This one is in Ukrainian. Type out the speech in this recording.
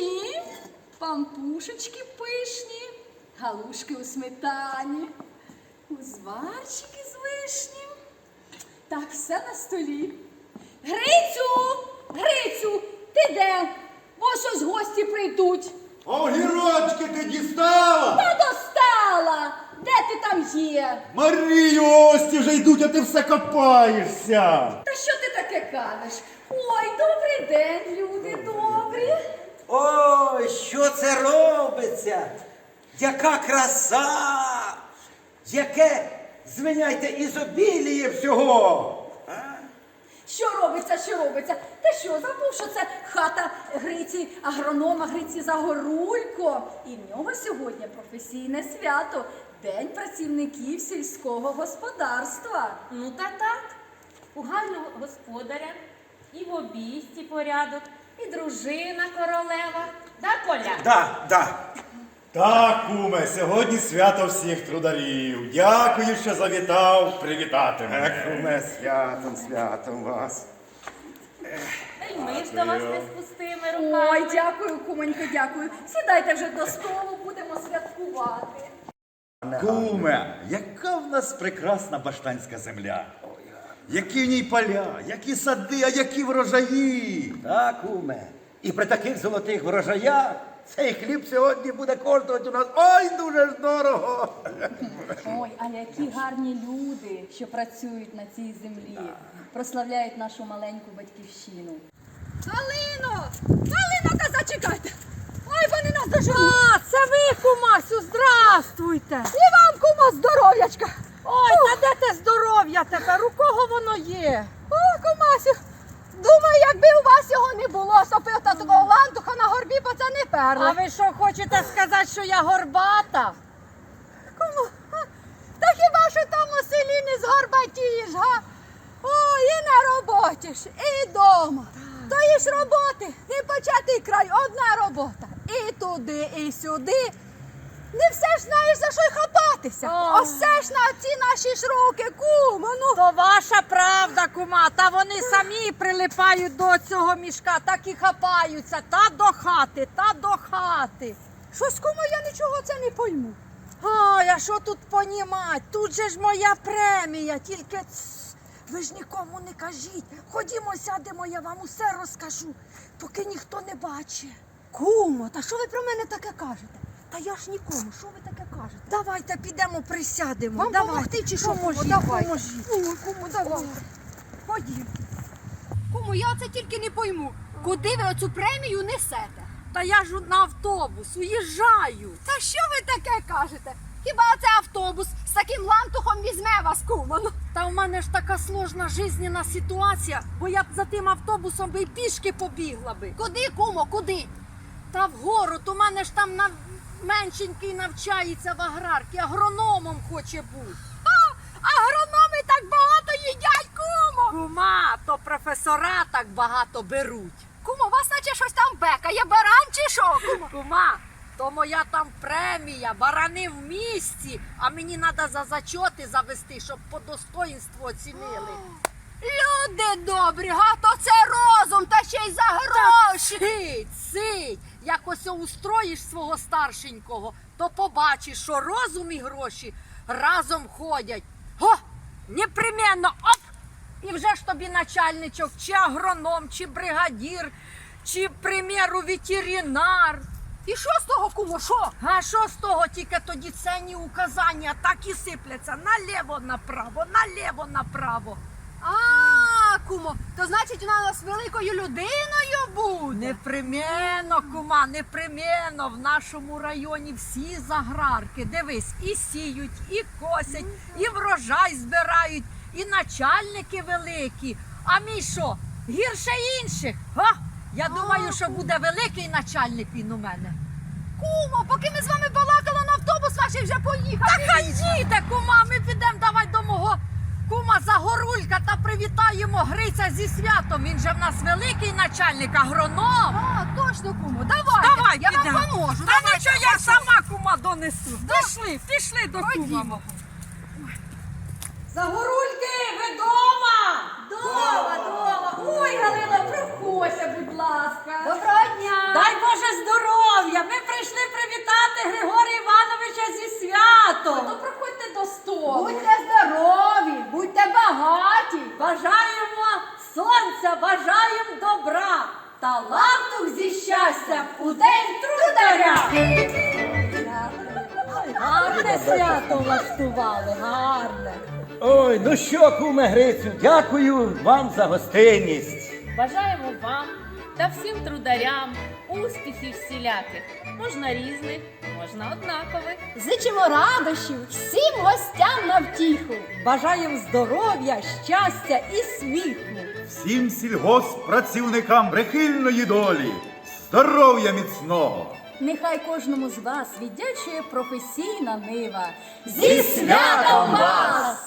смачні, пампушечки пишні, галушки у сметані, узварчики з вишні. Так, все на столі. Грицю! Грицю! Ти де? Бо щось гості прийдуть. Огірочки ти дістала? Та достала! Де ти там є? Марію, гості вже йдуть, а ти все копаєшся. Та що ти таке кажеш? Ой, добрий день, люди добрі. Ой, що це робиться? Яка краса! Яке, звиняйте, ізобіліє всього! Що робиться, що робиться? Ти що, забув, що це хата Гриці, агронома Гриці Загорулько? І в нього сьогодні професійне свято – День працівників сільського господарства. Ну та так, у гарного господаря і в обійсті порядок, і дружина королева. Да, Коля? Да. Так, куме, сьогодні свято всіх трударів. Дякую, що завітав привітати мене. Куме, святом вас. Та й ми ж до вас не з пустими руками. Ой, дякую, кумонько, дякую. Сідайте вже до столу, будемо святкувати. Куме, яка в нас прекрасна баштанська земля. Які в ній поля, які сади, а які врожаї. Так, куме. І при таких золотих врожаях цей хліб сьогодні буде коштувати у нас ой, дуже ж дорого. Ой, а які гарні люди, що працюють на цій землі, прославляють нашу маленьку батьківщину. Галино! Галино, та зачекайте! Ой, вони нас доженуть! А, це ви, кумасю, здравствуйте! І вам, кумо, здоров'ячка! Ой, та де те здоров'я тепер? У кого воно є? О, кумасю, думаю, якби у вас його не було, сопив та такого лантуха на горбі, бо це не А перли. ви що, хочете сказати, що я горбата? Кому? Та хіба що там у селі не згорбатієш, га? Ой, і на роботі ж, і дома. Тої ж роботи, не початий край, одна робота. І туди, і сюди. Не все ж знаєш, за що й хапатися. О. Ось все ж на ці наші ж руки, кумо, ну. То ваша правда, кума, та вони самі прилипають до цього мішка, так і хапаються, та до хати, та до хати. Щось, кумо, я нічого це не пойму. Ой, а що тут понімать? Тут же ж моя премія, тільки ви ж нікому не кажіть. Ходімо, сядемо, я вам усе розкажу, поки ніхто не бачить. Кумо, та що ви про мене таке кажете? Та я ж нікому, що ви таке кажете? Давайте підемо, присядемо. Вам Давайте. помогти чи що? Поможіть, Давайте. поможіть. Кумо, давайте. Ходім. Кумо, я це тільки не пойму. Куди ви оцю премію несете? Та я ж на автобус, уїжджаю. Та що ви таке кажете? Хіба це автобус з таким лантухом візьме вас, кумо? Ну, Та в мене ж така сложна жизненна ситуація, бо я б за тим автобусом би й пішки побігла би. куди, кумо, куди? Та вгору, то в мене ж там меншенький навчається в аграрці, агрономом хоче бути. Агрономи так багато їдять, кумо! Кума, то професора так багато беруть. Кумо, вас наче щось там бекає, баран чи що, кумо? Кума, то моя там премія, барани в місті, а мені треба за зачоти завести, щоб по достоїнству оцінили. Люди добрі, га, то це розум, та ще й за гроші. Цить, як ось устроїш свого старшенького, то побачиш, що розум і гроші разом ходять. Го, непременно, оп! І вже ж тобі начальничок, чи агроном, чи бригадір, чи, к примеру, ветеринар. І що з того, кумо, що? А що з того, тільки тоді ценні указання так і сипляться наліво-направо, наліво-направо. А, кумо, то значить вона нас великою людиною буде? Непременно, кума, непременно. В нашому районі всі з аграрки. Дивись, і сіють, і косять, і врожай збирають, і начальники великі. А мій що, гірше інших? Га? Я думаю, що буде великий начальник він у мене. Кумо, поки ми з вами балакали, на автобус ваш вже поїхав. Та хай їде, кума, ми підемо, давай до мого кума Загорулька та привітаємо Гриця зі святом. Він же в нас великий начальник, агроном. А, точно, кумо, давайте. Давай, я підемо. вам поможу. Та давайте, нічого, я ходімо. сама, кума, донесу. Пішли до кума. Ходімо. Загорульки, ви дома? Дома. Ой, Галина, проходься, будь ласка. Доброго дня! Дай Боже здоров'я. на лавтух зі щастям у день трударя. Гарне свято влаштували, гарне. Ой, ну що, куме Грицю, дякую вам за гостинність. Бажаємо вам та всім трударям успіхів всіляких. Можна різних, можна однакових. Зичимо радощів всім гостям на втіху. Бажаємо здоров'я, щастя і сміху. Всім сільгосппрацівникам прихильної долі, здоров'я міцного. Нехай кожному з вас віддячує професійна нива. Зі святом вас!